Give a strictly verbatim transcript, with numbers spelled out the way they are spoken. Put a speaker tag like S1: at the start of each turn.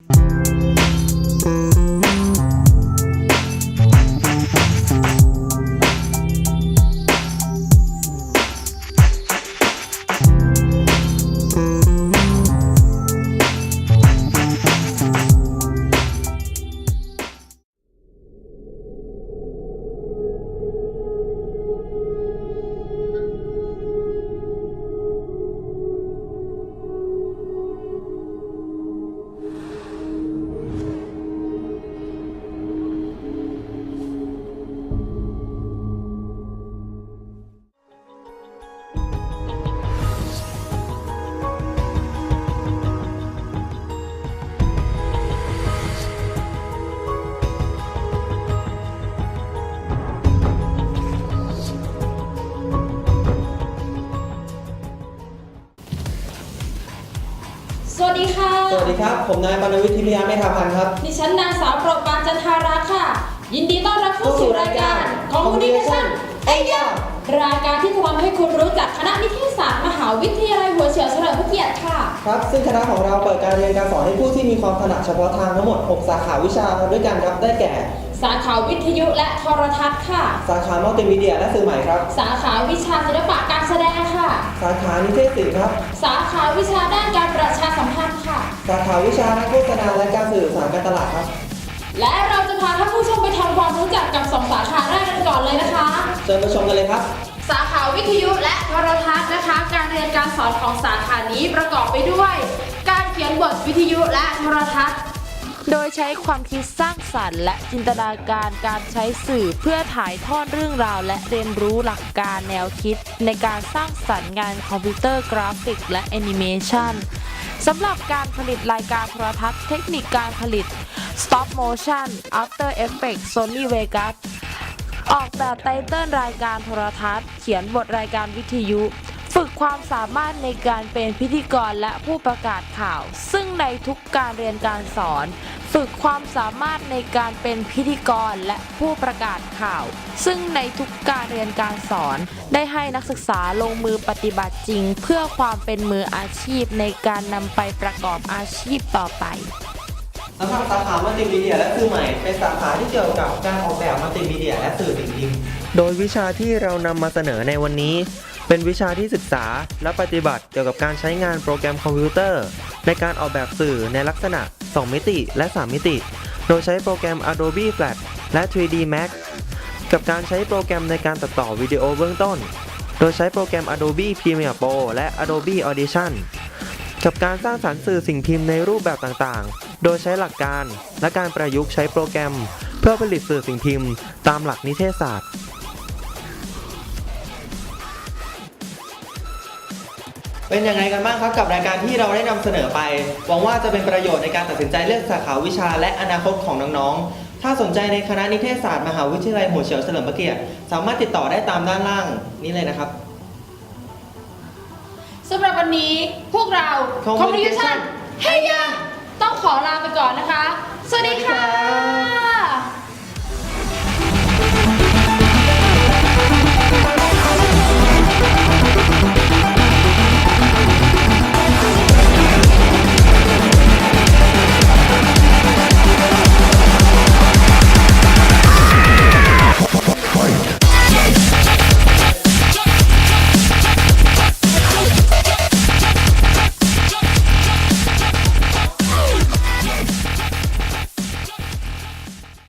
S1: สวัสดีค่ะ
S2: สวัสดีครับผมนายปานวิทย์ทิพยาเมธาพันธ์ครับ
S1: ดิฉันนางสาวโปรดปรานจันทาราค่ะยินดีต้อนรับเข้าสู่รายการ Communication
S2: ไอ้ยาร
S1: ายการที่จะทำให้คุณรู้จักคณะนิเทศศาสตร์มหาวิทยาลัยหัวเฉียวเฉลิมพระเกียรติค่ะ
S2: ครับซึ่งคณะของเราเปิดการเรียนการสอนให้ผู้ที่มีความถนัดเฉพาะทางทั้งหมดหกสาขาวิชาด้วยกันครับได้แก่
S1: สาขาวิทยุและโทรทัศน์ค่ะ
S2: สาขามัลติมีเดียและสื่อใหม่ครับ
S1: สาขาวิชาศิลปะการแสดงค่ะ
S2: สาขานิเทศศิลป์ครับ
S1: สาขาวิชาด้านการประชาสัมพันธ์ค่ะ
S2: สาขาวิชานักโฆษณาและการสื่อสารการตลาดครับ
S1: และเราจะพาท่านผู้ชมไปทำความรู้จักกับสองสาขาแรกกันก่อนเลยนะคะ
S2: เชิญไปชมกันเลยครับ
S1: สาขาวิทยุและโทรทัศน์นะคะการเรียนการสอนของสาขานี้ประกอบไปด้วย การเขียนบทวิทยุและโทรทัศน์โดยใช้ความคิดสร้างสรรค์และจินตนาการการใช้สื่อเพื่อถ่ายทอดเรื่องราวและเรียนรู้หลักการแนวคิดในการสร้างสรรค์งานคอมพิวเตอร์กราฟิกและแอนิเมชันสำหรับการผลิตรายการโทรทัศน์เทคนิคการผลิต Stop Motion After Effects Sony Vegas ออกแบบไตเติ้ลรายการโทรทัศน์เขียนบทรายการวิทยุฝึกความสามารถในการเป็นพิธีกรและผู้ประกาศข่าวซึ่งในทุกการเรียนการสอนฝึกความสามารถในการเป็นพิธีกรและผู้ประกาศข่าวซึ่งในทุกการเรียนการสอนได้ให้นักศึกษาลงมือปฏิบัติจริงเพื่อความเป็นมืออาชีพในการนำไปประกอบอาชีพต่อไป
S2: สำหรับสาขามัลติมีเดียและสื่อใหม่เป็นสาขาที่เกี่ยวกับการออกแบบมัลติมีเดียและสื่อสิ่งพิมพ์โดยวิชาที่เรานำมาเสนอในวันนี้เป็นวิชาที่ศึกษาและปฏิบัติเกี่ยวกับการใช้งานโปรแกรมคอมพิวเตอร์ในการออกแบบสื่อในลักษณะสองมิติและสามมิติโดยใช้โปรแกรม Adobe Flash และ ทรี ดี Max กับการใช้โปรแกรมในการตัดต่อวิดีโอเบื้องต้นโดยใช้โปรแกรม Adobe Premiere Pro และ Adobe Audition กับการสร้างสรรค์สื่อสิ่งพิมพ์ในรูปแบบต่างๆโดยใช้หลักการและการประยุกต์ใช้โปรแกรมเพื่อผลิตสื่อสิ่งพิมพ์ตามหลักนิเทศศาสตร์เป็นยังไงกันบ้างครับกับรายการที่เราได้นำเสนอไปหวังว่าจะเป็นประโยชน์ในการตัดสินใจเลือกสาขาวิชาและอนาคตของน้องๆถ้าสนใจในคณะนิเทศศาสตร์มหาวิทยาลัยหัวเฉียวเฉลิมพระเกียรติสามารถติดต่อได้ตามด้านล่างนี้เลยนะครับ
S1: สำหรับวันนี้พวกเรา
S2: Communication
S1: เฮ้ยยาต้องขอลาไปก่อนนะคะสวัสดีค่ะ